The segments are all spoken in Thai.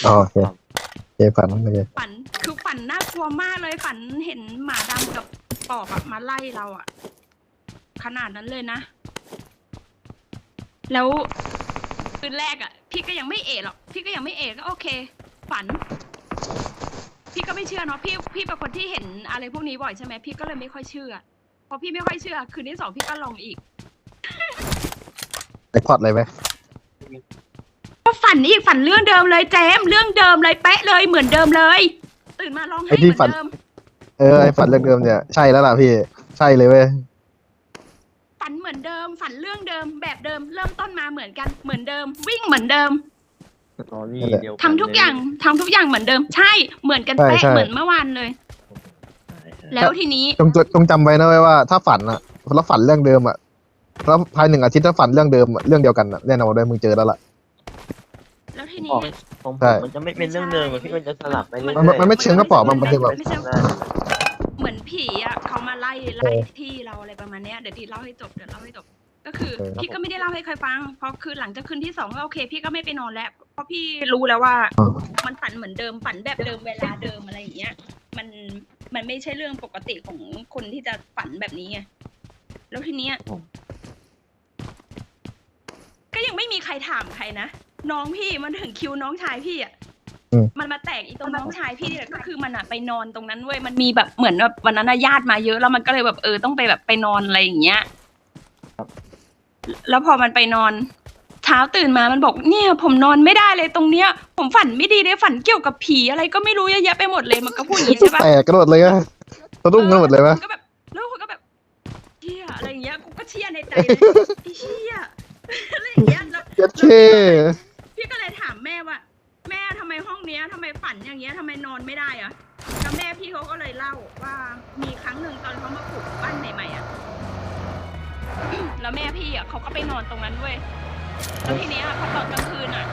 อ๋อโอเคเจฝันโอเคฝันคือฝันน่ากลัวมากเลยฝันเห็นหมาดำกับปอบอะมาไล่เราอะขนาดนั้นเลยนะ แล้วคืนแรกอะพี่ก็ยังไม่เอะหรอกพี่ก็ยังไม่เอะก็โอเค ฝัน พี่ก็ไม่เชื่อเนาะพี่เป็นคนที่เห็นอะไรพวกนี้บ่อยใช่ไหมพี่ก็เลยไม่ค่อยเชื่อพอพี่ไม่ค่อยเชื่อคืนที่สองพี่ก็ลองอีกไอพอดเลยไหมก็ฝันอีกฝันเรื่องเดิมเลยเจมเรื่องเดิมเลยเป๊ะเลยเหมือนเดิมเลย ตื่นมาร้องไห้เหมือนเดิมไอฝันเรื่องเดิมเนี่ยใช่แล้วล่ะพี่ใช่เลยเว้ยฝันเหมือนเดิมฝันเรื่องเดิมแบบเดิมเริ่มต้นมาเหมือนกันเหมือนเดิม วิ่งเหมือนเดิมตอนนี้เดียวกันทำทุกอย่างเหมือนเดิม ใช่เหมือนกันเป๊ะเหมือนเมื่อวานเลย แล้วทีนี้จงจำไว้นะเว้ยว่าถ้าฝันอะแล้วฝันเรื่องเดิมอะแล้วภาย1 อาทิตย์ถ้าฝันเรื่องเดิมเรื่องเดียวกันอะแน่นอนด้วยมึงเจอแล้วล่ะแล้วทีนี้ผมใช่มันจะไม่เป็นเรื่องเดิมอะพี่มันจะสลับไปเรื่อยมันไม่เชิงกระป๋องมันคือแบบไม่ใช่เหมือนผีอ่ะเขามาไล่ที่เราอะไรประมาณเนี้ยเดี๋ยวดีเล่าให้จบก็คือพี่ก็ไม่ได้เล่าให้ใครฟังเพราะคือหลังจากคืนที่2ก็โอเคพี่ก็ไม่ไปนอนแล้วเพราะพี่รู้แล้วว่ามันฝันเหมือนเดิมฝันแบบเดิมเวลาเดิมอะไรอย่างเงี้ยมันไม่ใช่เรื่องปกติของคนที่จะฝันแบบนี้ไงแล้วทีเนี้ยก็ยังไม่มีใครถามใครนะน้องพี่มันถึงคิวน้องชายพี่อ่ะมันมาแตกอีตรงน้องชายพี่นี่แหละก็คือมันอะไปนอนตรงนั้นเว้ยมันมีแบบเหมือนแบบวันนั้นญาติมาเยอะแล้วมันก็เลยแบบต้องไปแบบไปนอนอะไรอย่างเงี้ยแล้วพอมันไปนอนเช้าตื่นมามันบอกเนี่ยผมนอนไม่ได้เลยตรงเนี้ยผมฝันไม่ดีเลยฝันเกี่ยวกับผีอะไรก็ไม่รู้เยอะแยะไปหมดเลยมันก็พูดอย่างนี้ใช่ปะแตกกระโดดเลยอะสะดุ้งกันหมดเลยวะก็แบบแล้วคนก็แบบเชี่ยอะไรอย่างเงี้ยกูก็เชี่ยในใจเลยไอ้เชี่ยอะไรอย่างเงี้ยแล้วเจ็ดเท่พี่ก็เลยถามแม่ว่าแม่ทำไมห้องเนี้ยทำไมฝันอย่างเงี้ยทำไมนอนไม่ได้อะแล้วแม่พี่เขาก็เลยเล่าว่ามีครั้งหนึ่งตอนเขามาปลูกบ้านใหม่ๆอะแล้วแม่พี่อะเขาก็ไปนอนตรงนั้นด้วยแล้วทีเนี้ยพอตอนกลางคืนอะ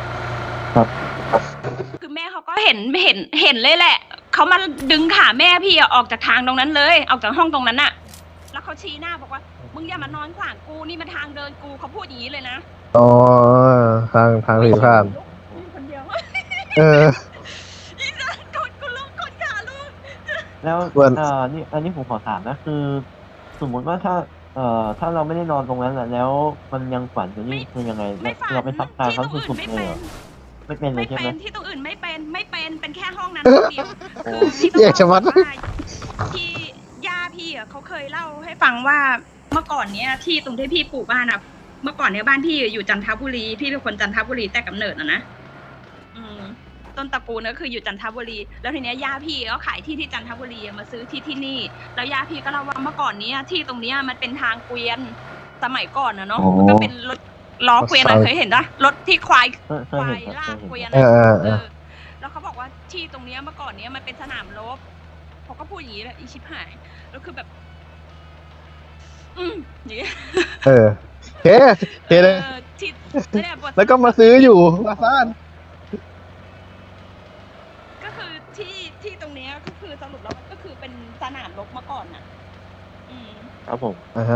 คือแม่เขาก็เห็นเลยแหละเขามาดึงขาแม่พี่อะออกจากทางตรงนั้นเลยออกจากห้องตรงนั้นอะแล้วเขาชี้หน้าบอกว่ามึงอย่ามานอนขวางกูนี่มันทางเดินกูเขาพูดอย่างนี้เลยนะอ๋อทางผีผ่านมีคนเดียว อีสันกดกูลุกกดขาลุกแล้วนี่อันนี้ผมขอถามนะคือ สมมุติว่าถ้าเราไม่ได้นอนตรงนั้นแล้วมันยังฝันอยู่นี่คือยังไงเราไปทับทางเขาสุดๆเลยไม่เป็นเลยใช่ไหมที่ตรงอื่นไม่เป็นแค่ห้องนั้นห้องเดียวคือพี่ต้องบอกว่าที่ย่าพี่อ่ะเขาเคยเล่าให้ฟังว่าเมื่อก่อนเนี้ยที่ตรงที่พี่ปลูกบ้านอ่ะเมื่อก่อนเนี้ยบ้านพี่อยู่จันทบุรีพี่เป็นคนจันทบุรีแต่กำเนิดนะต้นตระกูลก็คืออยู่จันทบุรีแล้วทีเนี้ยย่าพี่ก็ขายที่จันทบุรีมาซื้อที่นี่แล้วย่าพี่ก็เล่าว่าเมื่อก่อนเนี้ยที่ตรงเนี้ยมันเป็นทางเกวียนสมัยก่อนนะเนาะมันก็เป็นรถล้อเกวียนเคยเห็นปะรถที่ควายลากเกวียนแล้วเขาบอกว่าที่ตรงเนี้ยเมื่อก่อนเนี้ยมันเป็นสนามรบเขาก็พูดอย่างนี้แหละอีชิบหายแล้วคือแบบอย่างเงี้ยเท่เลยแล้วก็มาซื้ออยู่มาซ่านก็คือที่ตรงเนี้ยก็คือสรุปแล้วมันก็คือเป็นสนามรบมาก่อนน่ะครับผม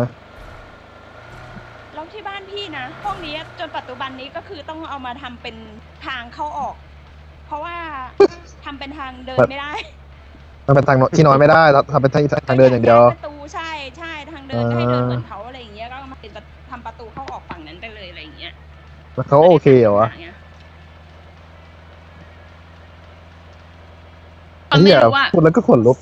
แล้วที่บ้านพี่นะห้องนี้จนปัจจุบันนี้ก็คือต้องเอามาทำเป็นทางเข้าออก เพราะว่าทำเป็นทางเดินไม่ได้มันเป็นทางที่นอนไม่ได้เราทำเป็นทางเดินอย่างเดียวประตูใช่ทางเดินให้เดินเหมือนเขาอะไรอย่างเงี้ยก็มาเป็นทำประตูเข้าออกฝั่งนั้นไปเลยอะไรอย่างเงี้ยแล้วเขาโอเคเหรอวะไม่รู้ว่าพูดแล้วก็ขนลุก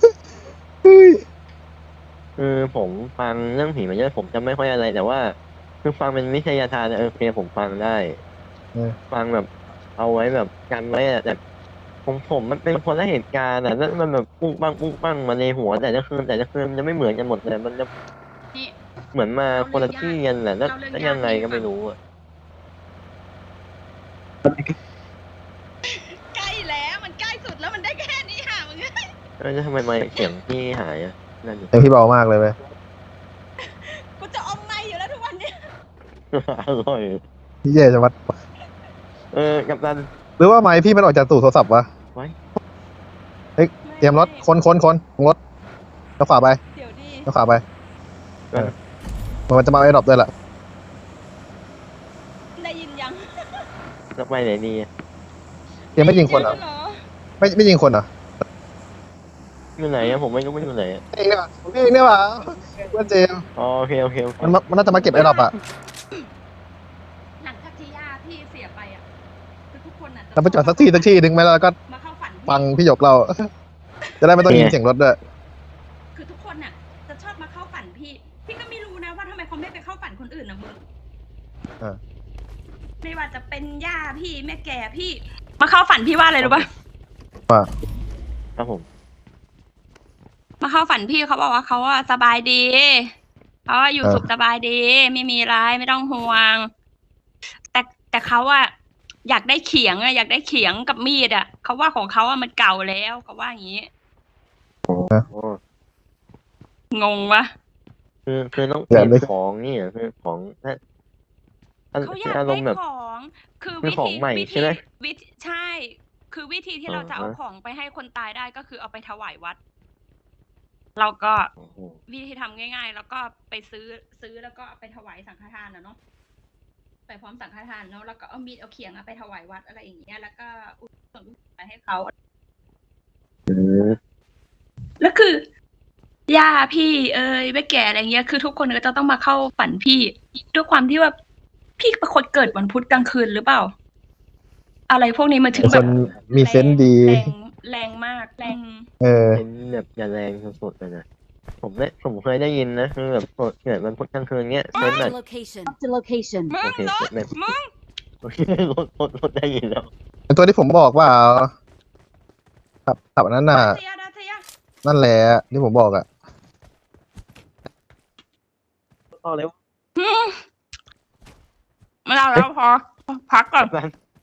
คือผมฟังเรื่องผีมาเยอะผมจะไม่ค่อยอะไรแต่ว่าคือฟังเป็นวิทยาทานโอเคผมฟังได้ฟังแบบเอาไว้แบบกันไว้แต่ผมมันเป็นคนละเหตุการณ์แล้วมันแบบปุ้งปังมาในหัวแต่ละคืนมันจะไม่เหมือนกันหมดเลยมันจะเหมือนมาคนละที่กันแหละแล้วยังไงก็ไม่รู้อ่ะใกล้แล้วมันใกล้สุดแล้วมันได้แค่นี้ค่ะมึงแล้วทำไมไม่เสียงพี่หายอ่ะนั่นดิพี่เบามากเลยเว้ยกูจะอมไม่อยู่แล้วทุกวันนี้อร่อยพี่เย่จะวัดกับนันหรือว่าไม้พี่มันออกจากตู้โทรศัพท์วะไว้เตรียมรถคนรถแล้วขวาไปเดี๋ยวดิแล้วขวาไปมันจะมาไอ้ดรอปด้วยล่ะได้ยินยังแล้วไปไหนดียังไม่ยิงคนเหรอเยอะไม่ยิงคนเหรออยู่ไหนอะผมไม่รู้ไม่อยู่ไหนอะเองเนี่ยเองเนี่ยว่ะเพื่อนเจมส์อ๋อโอเคโอเคมันน่าจะมาเก็บไอ้ดอกอะหลังจากที่ย่าพี่เสียไปอ่ะคือทุกคนอ่ะเราไปจอดสักที่หนึ่งไหมแล้วก็มาเข้าฝันพี่ฟังพี่หยกเรา จะได้ไม่ต้องยินเสียงรถด้วยคือทุกคนน่ะจะชอบมาเข้าฝันพี่ พี่ก็ไม่รู้นะว่าทำไมเขาไม่ไปเข้าฝันคนอื่นนะมึงอ่าไม่ว่าจะเป็นย่าพี่แม่แก่พี่ มาเข้าฝันพี่ว่าอะไรรู้ป่ะว่าครับผมมาเข้าฝันพี่เขาบอกว่าเขาว่าสบายดีเขาว่าอยู่สุขสบายดี ไม่มีร้ายไม่ต้องห่วง แต่เขาอะอยากได้เขียงอะอยากได้เขียงกับมีดอะเขาว่าของเขาอะมันเก่าแล้วเขาว่าอย่างนี้โอ้งงวะคือต้องเปลี่ยนของนี่เหรอคือของอันเขาอยากอารได้มณ์แบบของคือคือของใหม่ใช่ไหมวิธีใช่ คือวิธีที่เราจะเอาอ่าฮะของไปให้คนตายได้ก็คือเอาไปถวายวัด เราก็โอ้โหวิธีทำง่าย ๆ แล้วก็ไปซื้อแล้วก็เอาไปถวายสังฆทานนะเนาะไปพร้อมสังฆทานเนาะแล้วก็เอามีดเอาเขียงเอาไปถวายวัดอะไรอย่างเงี้ยแล้วก็อุทิศส่วนกุศลไปให้เขาอืมแล้วคือย่าพี่เอ้ยแม่แก่อะไรเงี้ยคือทุกคนก็จะต้องมาเข้าฝันพี่ด้วยความที่ว่าพี่เป็นคนเกิดวันพุธกลางคืนหรือเปล่า อะไรพวกนี้มันถึงเป็นแบคบนมีเซนส์ดีแรงมากแรงเออเป็นแบบอย่าแรงสุดๆเลยนะผมเคยได้ยินนะคือแบบเกิดมันพุธกลางคืนเงี้ยเซนแบบ Marked a location. Marked a location. มึโอง เครถแบบมึงโอเครถได้ยินแล้วเป็นตัวที่ผมบอกว่าขับอันนั้นน่ะเสียดาเสียนั่นแหละที่ผมบอกอะต่อเร็วไม่เอาแล้วพอพักก่อน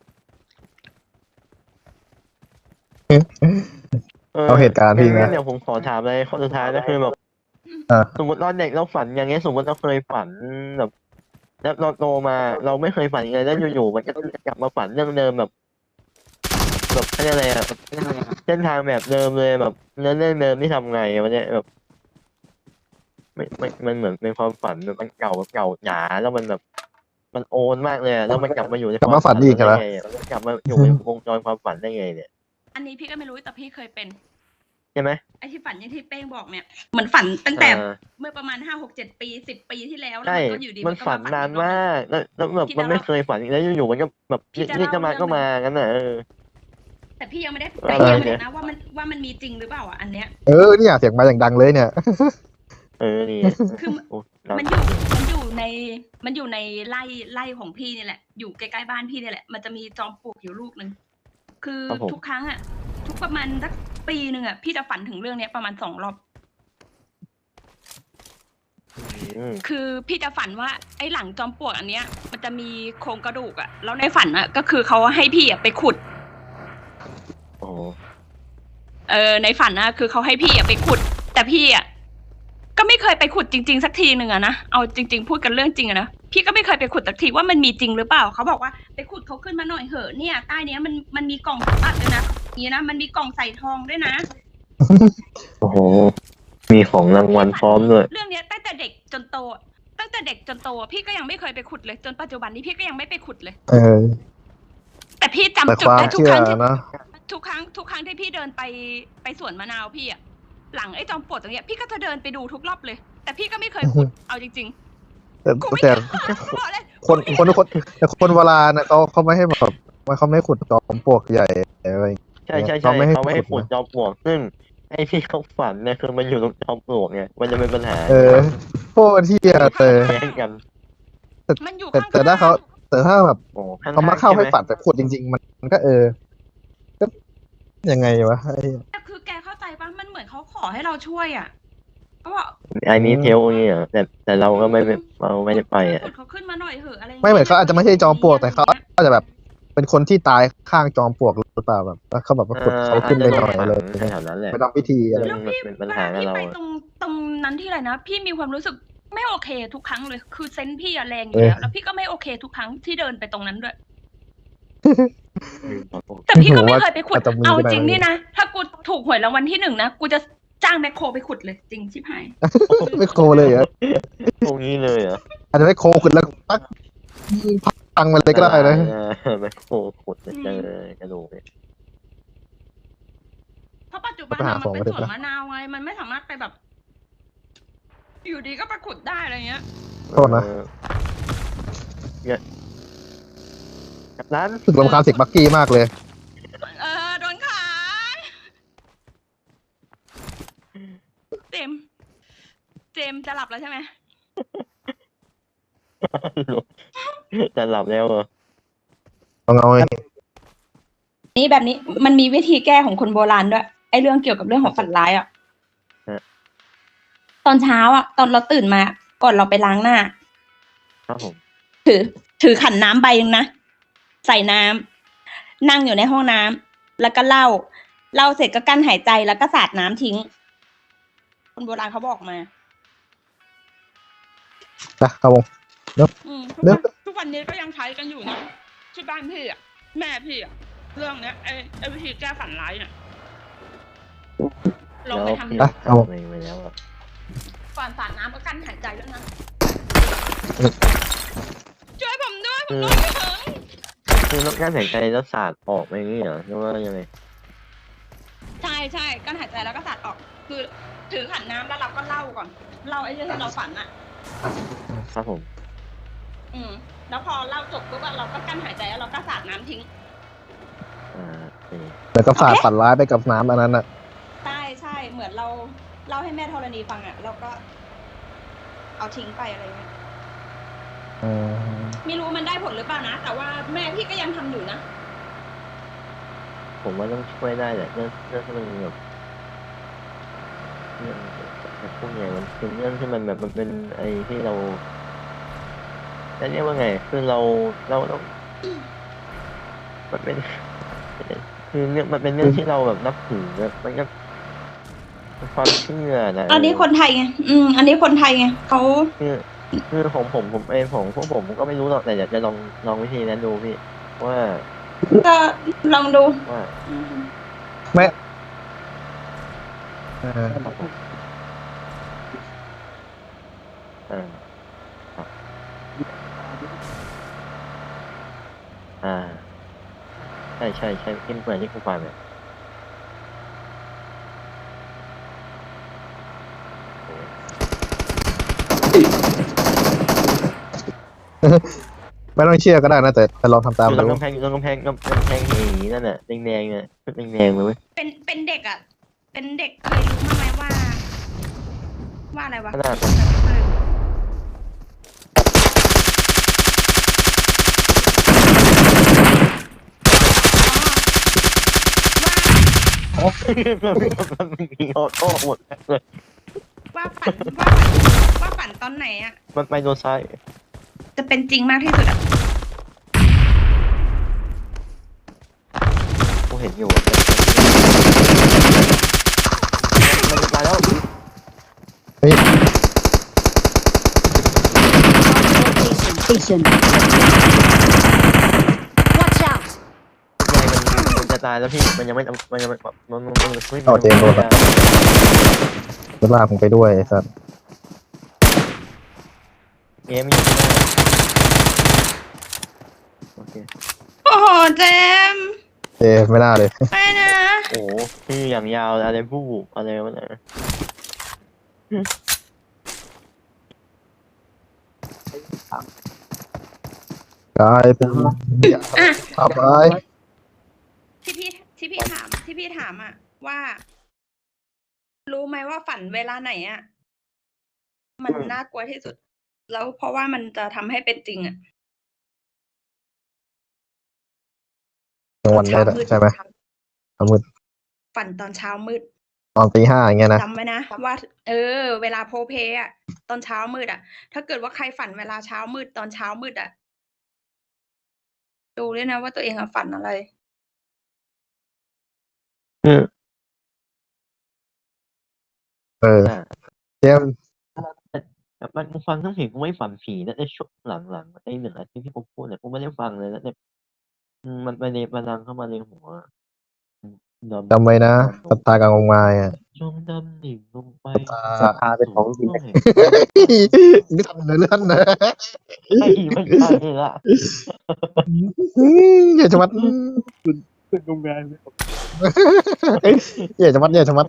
เอาเหตุการณ์พี่งั้นะนเดี๋ยวผมขอถามอะไรข้อสุดท้ายนะคือแบบอ่าสมมติเราเด็กเราฝันอย่างเงี้ยสมมติเราเคยฝันแบบแล้วเราโตมาเราไม่เคยฝันเลยแล้วอยู่ๆมันก็กลับมาฝันเรื่องเดิมแบบอะไรอะแบบเส้นทางแบบเดิมเลยแบบเรื่องเดิมที่ทำไงวันเนี้ยแบบไม่มันเหมือนเป็นความฝันแบบมันเก่าหนาแล้วมันแบบมันโอนมากเลยอะแล้วมันกลับมาอยู่ในกลับมาฝันอีกเหรอได้ไงอะมันกลับมาอยู่ในวงจรความฝันได้ไงเนี่ยอันนี้พี่ก็ไม่รู้แต่พี่เคยเป็นใช่ไหมไอ้ที่ฝันอย่างที่เป้งบอกเนี่ยเหมือนฝันตั้งแต่อ่าเมื่อประมาณ5 6 7 ปี10 ปีที่แล้วแล้วใช่มันก็อยู่ดีมันก็ฝันนานมากแล้วแบบพี่มันไม่จะเล่าเคยฝันแล้วอยู่ๆมันก็แบบพี่จะนี่จะมาเล่าก็มางั้นน่ะแต่พี่ยังไม่ได้อะไรแต่พี่ยังไม่เนี่ได้ยนะว่ามันมีจริงหรือเปล่าอ่ะอันเนี้ยเนี่ยเสียงมาอย่างดังเลยเนี่ยนี่คือโอ้มันอยู่ในไร่ของพี่นี่แหละ อยู่ใกล้ๆบ้านพี่นี่แหละ มันจะมีจอมปลวกอยู่ลูกหนึ่งคือทุกครั้งอ่ะ ทุกประมาณสักปีหนึ่งอ่ะพี่จะฝันถึงเรื่องเนี้ยประมาณ2 รอบอืมคือพี่จะฝันว่าไอ้หลังจอมปลวกอันเนี้ย มันจะมีโครงกระดูกอ่ะแล้วในฝันอ่ะก็คือเขาให้พี่อ่ะไปขุดโอ้ในฝันนะคือเขาให้พี่อ่ะไปขุด แต่พี่อ่ะก็ไม่เคยไปขุดจริงๆสักทีหนึ่งอะนะเอาจริง ๆ พูดกันเรื่องจริงอะนะพี่ก็ไม่เคยไปขุดสักทีว่ามันมีจริงหรือเปล่าเขาบอกว่าไปขุดเขาขึ้นมาหน่อยเหอะเนี่ยใต้เนี้ยมันมีกล่องสมบัติด้วยนะอย่างนี้นะมันมีกล่องใส่ทองด้วยนะโอ้โหมีของรางวัลพร้อมด้วยเรื่องเนี้ยตั้งแต่เด็กจนโตพี่ก็ยังไม่เคยไปขุดเลยจนปัจจุบันนี้พี่ก็ยังไม่ไปขุดเลยเออแต่พี่จำแต่จุคดวามได้ทุกเชื่คอรั้งที่นะทุกครั้งที่พี่เดินไปสวนมะนาวพี่อะหลังไอ้จอมปลวกตรงเนี้ยพี่ก็จะเดินไปดูทุกรอบเลย แต่พี่ก็ไม่เคยขุดเอาจริงแต่ๆกูไม่แต่บอกเลยคนแต่คนโบราณนะเขาไม่ให้แบบเขาไม่ขุดจอมปลวกใหญ่อะไรอย่างเงี้ยใช่เขาไม่ให้เขาไม่ให้ขุขุดดนะจอมปลวกซึ่งไอ้ที่เขาฝันเนี่ยคือมันอยู่ตรงจอมปลวกไงมันจะเป็นปัญหาโคตรเที่ยแต่แย่งกันมันอยู่แต่ข้างๆแต่ถ้าแบบโอ้ข้งๆเขามาเข้าให้ช่ไมฝันแต่ขุดจริง ๆ มันก็ก็ยังไงวะไอ้แต่คือแกเข้าใจปะมันเหมือนเขาขอให้เราช่วยอ่ะก็บอกอันนี้เทลนี่เหรอแต่เราก็ไม่ได้ไปอ่ะขุดเขาขึ้นมาหน่อยเหอะอะไรย่งงี้ยไม่เหมือนเขาอาจจะไม่ใช่จอมปลวกแต่เขาอาจจะแบบ เป็นคนที่ตายข้างจอมปลวกหรือเปล่าแบบแล้วเขาแบบว่าขุดเขาขึ้นไปหน่อยเลยแถวนั้นแหละไปทำพิธีอะไรแล้วพี่เป็นปัญเวหาลากับพี่เราไปอะตรงนั้นที่ไรนะพี่มีความรู้สึกไม่โอเคทุกครั้งเลย คือเซนส์พี่อะแรงอยู่แล้วแล้วพี่ก็ไม่โอเคทุกครั้งที่เดินไปตรงนั้นด้วย แต่พี่ก็ไม่เคยไปขุดอาจจะมีเอาก็ได้จริงนี่นะ ถ้ากูถูกหวยรางวัลที่1นะกูจะจ้างแมคโครไปขุดเลย จริงชิบหายไม่โคเลยเหรอตรงนี้เลยเหรออาจจะไม่โคขุดแล้วปักตังค์มันเลยก็ได้นะแมคโครขุดจะเจอกระดูกเนี่ยเพราะปัจจุบันอะมันเป็นสวนมะนาวไงมันไม่สามารถไปแบบ อยู่ดีก็ไปขุดได้อะไรเงี้ยโทษนะเนี่ยร้านรู้สึกรำคาญเสียงบักกี้มากเลยโดนขายเจมส์จะหลับแล้วใช่ไหมจะหลับแล้วเหรอต้องเอาไอ้นี่แบบนี้มันมีวิธีแก้ของคนโบราณด้วยไอ้เรื่องเกี่ยวกับเรื่องของฝันร้ายอ่ะตอนเช้าอ่ะ ตอนเราตื่นมาก่อนเราไปล้างหน้าครับผมถือขันน้ำใบนึงนะใส่น้ำนั่งอยู่ในห้องน้ำแล้วก็เล่าเสร็จก็กั้นหายใจแล้วก็สาดน้ำทิ้ง คนโบราณเขาบอกมานะเอาวงทุกวันนี้ก็ยังใช้กันอยู่นะที่บ้านพี่อ่ะแม่พี่อ่ะเรื่องเนี้ยไอ้วิธีแก้ฝันร้ายเนี่ยลองไปทำดูเอาวงไปแล้วอะก่อนสาดน้ำก็กั้นหายใจด้วยนะช่วยผมด้วยผมโดนไม่ถึงคือต้องการหายใจแล้วสาดออกไปอย่างนี้เหรอหรือว่ายังไงใช่กั้นหายใจแล้วก็สาดออก คือถือขันน้ำแล้วเราก็เล่าก่อนเล่าไอ้เรื่องที่เราฝันอ่ะครับผมแล้วพอเล่าจบปุ๊บอะเราก็กั้นหายใจแล้วเราก็สาดน้ำทิ้งโอเคแล้วก็ฝาดฝันร้ายไปกับน้ำอันนั้นอ่ะใช่เหมือนเราเล่าให้แม่ธรณีฟังอะเราก็ เอาทิ้งไปอะไรเงี้ยไม่รู้มันได้ผลหรือเปล่านะแต่ว่าแม่พี่ก็ยังทำอยู่นะผมว่าต้องช่วยได้แหละเรื่องที่มันแบบเรื่องแบบพวกเนี้ยมันเป็นเรื่องที่มันแบบมันเป็นไอ้ที่เราจะเรียกว่าไงคือเราต้องมันเป็นคือเรื่องมันเป็นเรื่องที่เราแบบนับถือแบบมันก็เป็นความเชื่อนะอันนี้คนไทยไงอันนี้คนไทยไงเขาคือผมเองพวกผมก็ไม่รู้หรอกแต่อยากจะลองวิธีนั้นดูพี่ว่าก็ลองดูว่าไม่ครับผมครับใช่ที่เหมือนที่คุณฟังเนี่ยไม่ต้องเชื่อก็ได้นะแต่ลองทำตามอยู่ตรดูงกำแพงอย่างนี้นั่นน่ะแดงๆน่ะชุดแดงๆเลยเว้ยเป็นเด็กอ่ะ เป็นเด็กเคยรู้มั้ยไหมว่าอะไรวะขนาด มันมีออโต้หมดเลยว่าฝันตอนไหนอ่ะมันไปโดนซ้ายจะเป็นจริงมากที่สุดอ่ะกูเห็นอยู่มันตายแล้วเฮ้ย Station. Watch out! มันจะตายแล้วพี่มันยังไม่มันยังไม่มันไม่เอาเจมส์โดนละ จะลากผมไปด้วยไอ้สัสเกมอยู่โอเคโอ้โหเจมส์ไม่น่าเลยไปนะโอ้ชื่ออย่างยาวอะไรผู้อะไรวะเนี่ยกลายเป็นขับไปที่พี่ถามอ่ะว่า รู้ไหมว่าฝันเวลาไหนอ่ะมันน่ากลัวที่สุด แล้วเพราะว่ามันจะทำให้เป็นจริงอ่ะกลางวันได้ใช่ไหมมืดฝันตอนเช้ามืดตอนตี 5อย่างเงี้ยนะจำไว้นะว่า เวลาโพเพอ่ะ ตอนเช้ามืดอ่ะ ถ้าเกิดว่าใครฝันเวลาเช้ามืดตอนเช้ามืดอ่ะดูด้วยนะว่าตัวเองอะฝันอะไรเจมส์แบบมันฟังทั้งเพลงกูไม่ฝันผีนะไอ้ช่วงหลังไอ้1 อาทิตย์ที่ผมพูดเนี่ยกูไม่ได้ฟังเลยแล้วเนี่ยมันไปในมันดังเข้ามาในหัวจำไว้นะสตาร์กลางวงไม้อะจมดำดิ่งลงไปสภาเป็นของจริงไม่นี่ทำเนื้อเลื่อนนะใช่ไม่ใช่ละอย่าชะมัดเป็นโรงงานเลยอย่าชะมัดอย่าชะมัด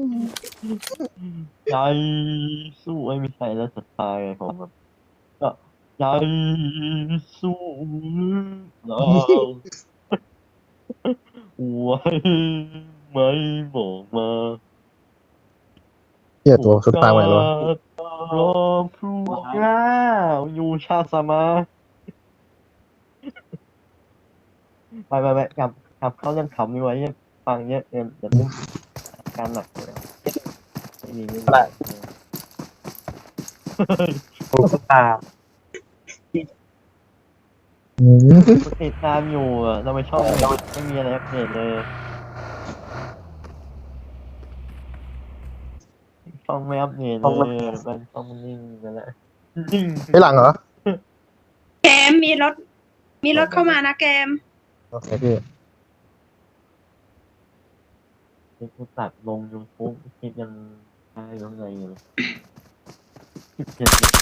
ใจสู้ไม่ใช่แล้วสุดท้ายผมแบบก็ใจสู้เราไว้ไม่บอกมาเหี้ยตัวสุดตายไปแล้วรอพรุ่งนี้อยู่ชาติสมาไปกลับเข้าเรื่องขำดีกว่าเนี่ยฟังเยอะเดี๋ยวเรื่องการหนักเลยไม่มีถูกสภาติดตามอยู่อ่ะเราไม่ชอบไม่มีอะไรอัปเดตเลยช่องไม่อัปเดตเลยมันช่องนิ่งไปแล้วนิ่งไม่หลังเหรอเกมมีรถเข้ามานะเกมโอเคพี่ที่กูตัดลง YouTube คลิปยังได้ยังไงอยู่17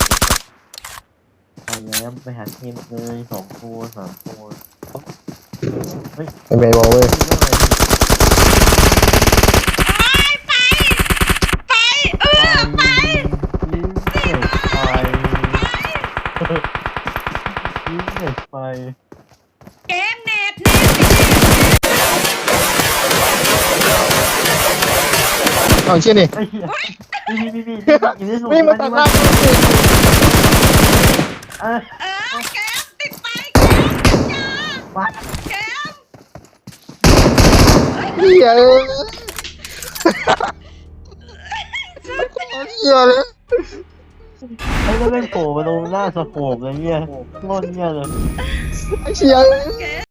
ไปแล้วไปหาเกมเลย2 ตัว 3 ตัวเฮ้ยเป็นไงบอกเว้ยไปไปยิ้มเด็กไฟยิ้มเด็กไฟเกมเน็ตเอาเชี่ยนี่ไอ้เหี้ยพี่อยู่ที่สูงวิ่งมาตัดหน้าเออเกมติดไปเกมอย่ามาเกมเหี้ยเลยเหี้ยเลยไอ้แล้วแม่งโผล่มาตรงหน้าสโคปเลยเนี่ยโคตรเนี่ยเลยไอ้เชี่ยเลยเกม